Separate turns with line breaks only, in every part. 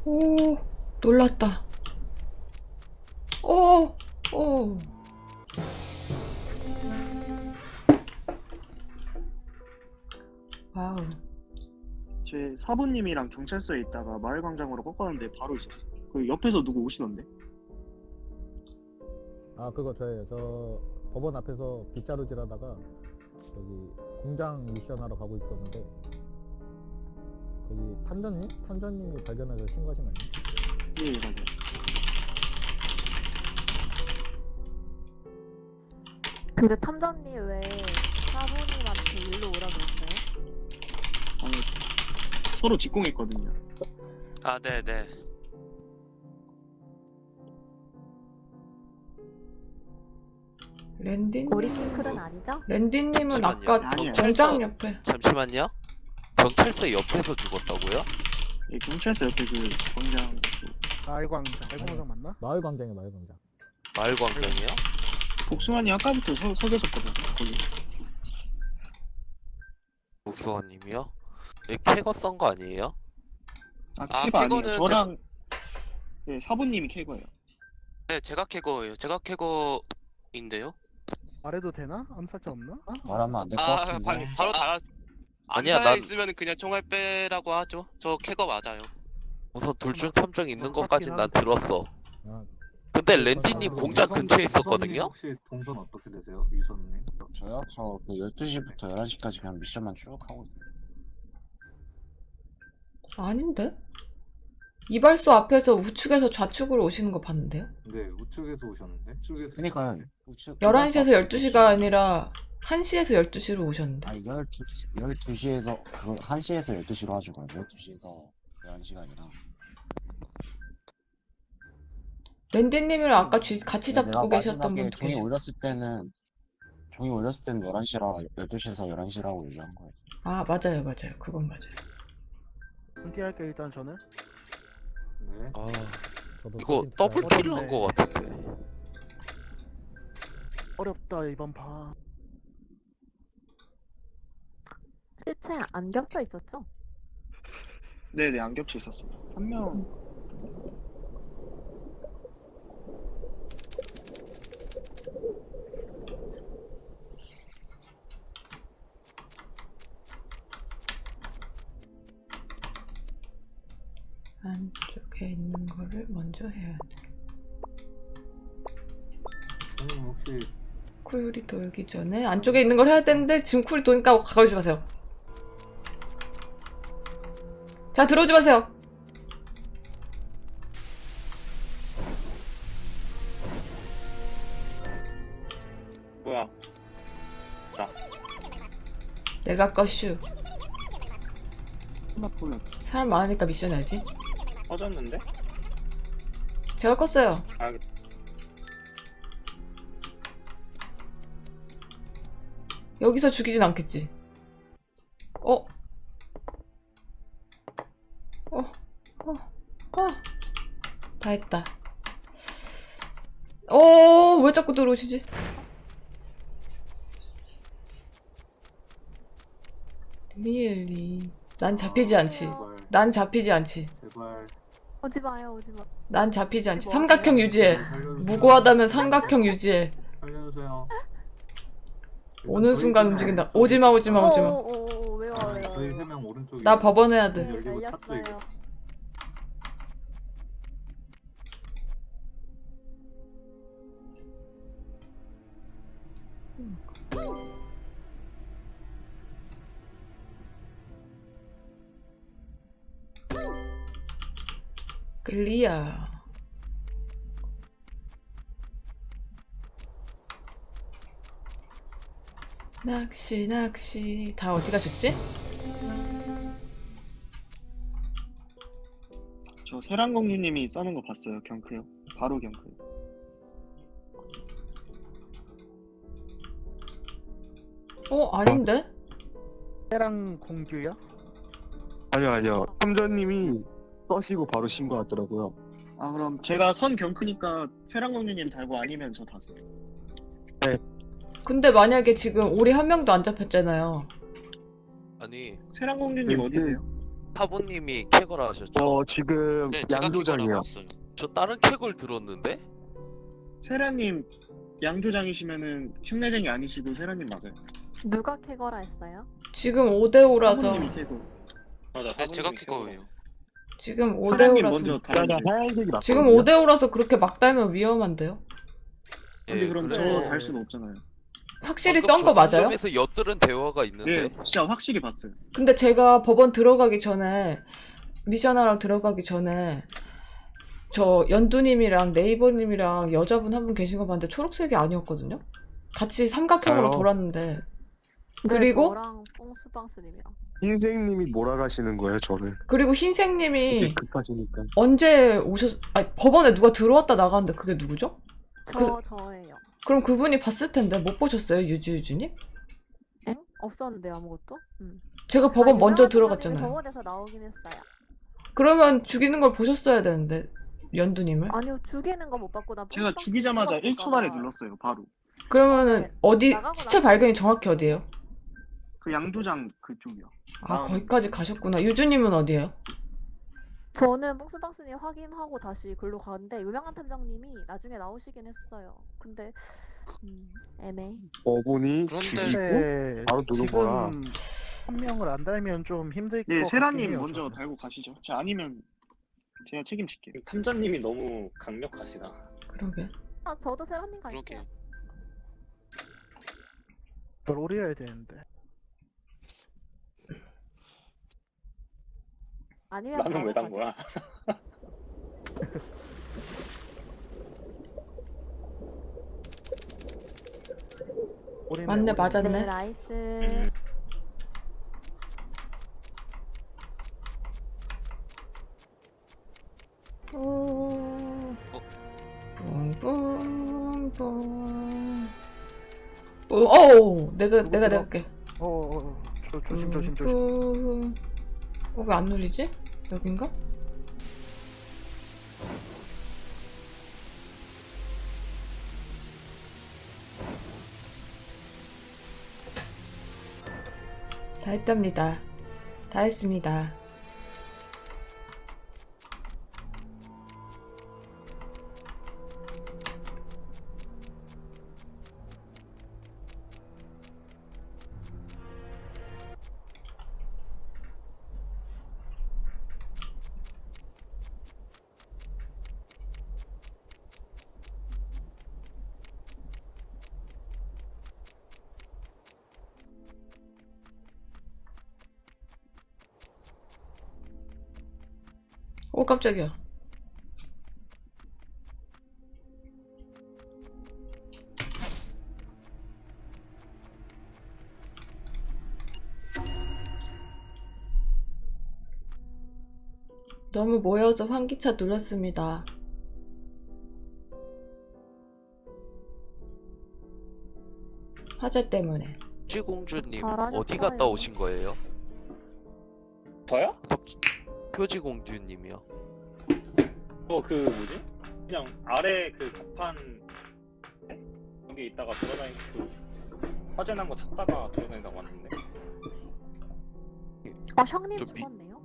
오, 놀랐다. 오, 오. 와우.
제 사부님이랑 경찰서에 있다가 마을광장으로 꺾었는데 바로 있었어요. 그 옆에서 누구 오시던데?
아 그거 저예요. 저 법원 앞에서 빗자루질 하다가 저기 공장 미션 하러 가고 있었는데 거기 탐정님이 발견해서 신고하신 거 아니에요?
예, 맞아요.
근데 탐정님 왜 사부님한테 일로 오라 그랬어요?
아니, 서로 직공했거든요.
아, 네네.
랜디님.
우리 핑클은 아니죠?
랜디님은
잠시만요.
아까
아니에요.
공장 옆에.
잠시만요. 경찰서 옆에서 죽었다고요?
예, 경찰서 옆에 그 광장.
마을광장 맞나?
마을광장이에요, 마을광장.
마을광장이요?
복숭아님 아까부터 서 계셨거든요. 거기.
복수원님이요? 캐거 썬 거 아니에요?
아,
아,
캐거 아니에요.
캐거는
저랑 예, 사부님이 캐거예요.
네, 제가 캐거예요. 제가 캐거인데요?
말해도 되나? 암살자 없나?
말하면 안 될 것
아,
같은데.
바로 달았.
아니야,
암사에
난-
있으면 그냥 총알 빼라고 하죠. 저 캐거 맞아요. 우선 둘 중 탐정 있는
그렇긴
것까진 난
한데.
들었어.
아,
근데 랜디님
아,
공장 근처에
유선님
있었거든요?
혹시 동선 어떻게 되세요? 유선님?
저요? 저 그 12시부터 11시까지 그냥 미션만 쭉 하고 있어요.
아닌데? 이발소 앞에서 우측에서 좌측으로 오시는 거 봤는데요?
네, 우측에서 오셨는데? 우측에서
그니까요.
11시에서 12시가 아니라 1시에서 12시로 오셨는데.
아니, 12시에서, 그 1시에서 12시로 하죠. 그럼 12시에서 11시가 아니라.
랜디님이랑 아까 같이
내가
잡고 계셨던
마지막에
분도
종이
계시고.
올렸을 때는 11시라, 12시에서 11시라고 얘기한 거예요.
아, 맞아요, 맞아요. 그건 맞아요.
은퇴할게 일단 저는.
네.
아,
저도
이거
사진
더블
찍어요.
킬을 한 거 같은데.
어렵다 이번 판.
실체 안 겹쳐 있었죠?
네네, 안 겹쳐 있었어요. 한 명.
안쪽에 있는 거를 먼저 해야 돼.
선생님 혹시
쿨이 돌기 전에 안쪽에 있는 걸 해야 되는데 지금 쿨이 도니까 가까이 마세요. 자, 들어오지 마세요.
뭐야?
내가 꺼슈.
스마트폰
사람 많으니까 미션 해야지.
꺼졌는데?
제가 껐어요. 여기서 죽이진 않겠지. 어? 어? 어? 어? 다 했다. 왜 자꾸 들어오시지? 리얼리. 난 잡히지 않지.
제발,
난 잡히지 않지.
제발.
오지 마요, 오지 마.
난 잡히지 않지.
뭐
삼각형 유지해.
살려주세요.
무고하다면 삼각형 유지해.
살려주세요.
오는
저희
순간
세 명,
움직인다.
저희
오지마, 오지마, 오지마.
왜요,
아,
왜요?
저희 3명 오른쪽에.
나 법원 해야 돼.
네,
열리고 찾죠, 이거.
열렸어요.
클리어. 낚시. 다 어디 가셨지?
저 세란공주님이 써는 거 봤어요. 경크요. 바로 경크.
아닌데?
때랑 공규야?
아니요. 탐정님이 떠시고 바로 신고하더라고요.
아, 그럼 제가 선 경크니까 세란공주님 달고 아니면 저 다세요.
근데 만약에 지금 우리 한 명도 안 잡혔잖아요.
아니,
세란공주님
네,
어디세요?
사부님이 캐걸 하셨죠?
지금
네, 제가
양조장이요.
캐걸하고 있어요. 저 다른 캐걸 들었는데?
세라님 양조장이시면은 흉내쟁이 아니시고 세라님 맞아요.
누가 캐거라 했어요?
지금 5대5라서
사부님이 캐고.
네, 제가 캐걸이에요.
지금
사장님
5대5라서
먼저
그러니까
달아주세요.
하얀색이 맞거든요.
지금 5대5라서 그렇게 막 달면 위험한데요?
근데 그럼
그래.
저 달 수는 없잖아요.
확실히
방금
썬 거 맞아요?
점에서 엿들은 대화가 있는데.
네, 진짜 확실히 봤어요.
근데 제가 법원 들어가기 전에 미션하러 들어가기 전에 저 연두님이랑 네이버님이랑 여자분 한 분 계신 거 봤는데 초록색이 아니었거든요? 같이 삼각형으로
아요.
돌았는데
네,
그리고
저랑 뽕수방스님이랑.
흰색님이 몰아가시는 거예요, 저를.
그리고
이제
흰색님이
급하시니까.
언제 아니 법원에 누가 들어왔다 나갔는데 그게 누구죠?
저예요.
그럼 그분이 봤을 텐데 못 보셨어요, 유주님?
엥? 없었는데요, 아무것도?
제가 법원
아니,
먼저
유명한
들어갔잖아요.
사람이 법원에서 나오긴 했어요.
그러면 죽이는 걸 보셨어야 되는데 연두님을?
아니요, 죽이는 거 못 봤고 나
제가
뽕수방스
죽이자마자
찍었을까
1초 만에
봐.
눌렀어요, 바로.
그러면은
네,
어디
나가고
시체
나서
발견이 정확히 어디예요?
그 양조장 그쪽이요.
아 거기까지 가셨구나. 유주님은 어디예요?
저는 뽕수방스님 확인하고 다시 글로 가는데 유명한 탐정님이 나중에 나오시긴 했어요. 근데 애매해.
어분이
그런데-
죽이고
근데
바로 누른 거라.
지금 한 명을 안 달면 좀 힘들 것
네,
같긴
세라님
해요,
먼저
저는.
달고 가시죠. 제가 아니면 제가 책임질게요.
탐정님이 너무 강력하시다.
그러게.
아, 저도 세라님 갈게요.
그러게요.
저 롤이어야 되는데.
아니면
나는 왜 단
바로
거야?
올인해,
맞네,
올인해.
가죠. 네,
맞았네.
나이스.
뿡뿡뿡. 어우, 내가 할게.
조심.
왜 안 눌리지? 여긴가? 다 했답니다. 다 했습니다. 오, 깜짝이야. 너무 모여서 환기차 눌렀습니다. 화재 때문에.
표지공주님
잘하셨어요.
어디 갔다 오신 거예요?
저요?
표지공주님이요.
그 뭐지? 그냥 아래 그 갑판 여기 있다가 돌아다니 화재 난 거 찾다가 돌아다니다가 왔는데.
형님
좀 미-
죽었네요?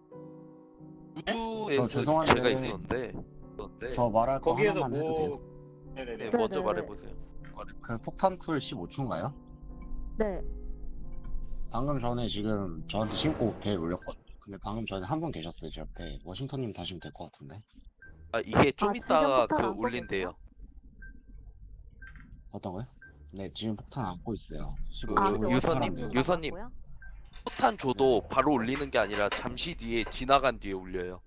우두에서
죄송한데
제가 있었는데.
저 말할 거
거기에서
하나만 해도 돼요?
네네네.
네, 먼저
네네네.
말해보세요.
그 폭탄 쿨 15초인가요?
네.
방금 전에 지금 저한테 신고 배에 올렸거든요. 근데 방금 전에 한 분 계셨어요, 제 옆에. 워싱턴님 다시면 될 것 같은데.
아 이게 좀
아,
이따가
지금 폭탄
그
안
올린대요.
어떤 거요? 네, 지금 폭탄 안고 있어요.
그
15초
근데
유선님,
어떻게
유선님.
나갔고요?
폭탄 줘도 바로 올리는 게 아니라 잠시 뒤에 지나간 뒤에 올려요.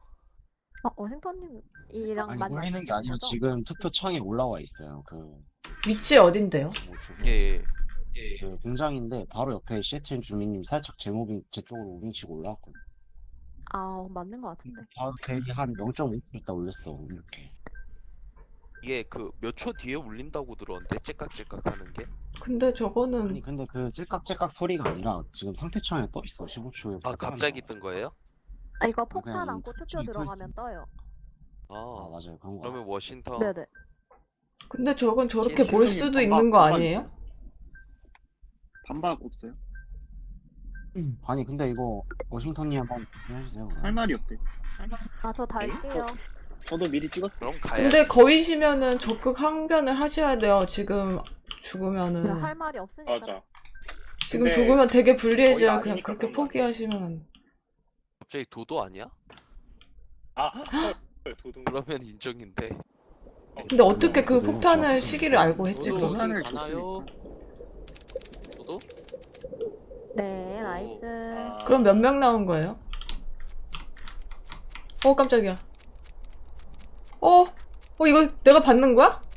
워싱턴님이랑
아니,
많이
올리는 게 아니라
거죠?
지금 투표창에 올라와 있어요. 그,
위치 어딘데요?
뭐,
예.
그 공장인데 바로 옆에 시애틀 주민님 살짝 제 쪽으로 무빙치고 올라왔거든요.
아, 맞는 것 같은데.
바로 대기 한 0.5초 있다 올렸어, 이렇게.
이게 그 몇 초 뒤에 울린다고 들었는데 째깍째깍 하는 게.
근데
아니,
저거는
근데 그 찔깍찔깍 소리가 아니라 지금 상태창에 떠 있어, 15초에.
아 갑자기 뜬 거예요?
아, 이거
그냥
폭탄
이
안고 투표
투표에
들어가면 떠요.
아,
아
맞아요. 그런 거.
그러면 워싱턴
네네.
근데 저건 저렇게
실질적인
볼 수도
반박,
있는 거
반박
아니에요?
있어요. 반박 없어요?
아니 근데 이거 워싱턴님 한번 해주세요.
할 말이 없대.
아, 저 달게요.
저도 미리 찍었어요.
그럼 가야지.
근데 거의시면은 적극 항변을 하셔야 돼요. 지금 죽으면은.
그냥 할 말이 없으니까.
맞아.
지금
근데
죽으면 되게 불리해져요.
거의
그냥
아니니까
그렇게
그런 거 아니야?
포기하시면.
갑자기 도도 아니야?
아, 헐, 도둑.
그러면 인정인데.
근데 어떻게 그 폭탄을 시기를 알고 했지,
도도
그러면?
그러면?
어디 가나요? 도도?
네, 나이스.
아,
그럼 몇 명 나온 거예요? 깜짝이야. 이거 내가 받는 거야?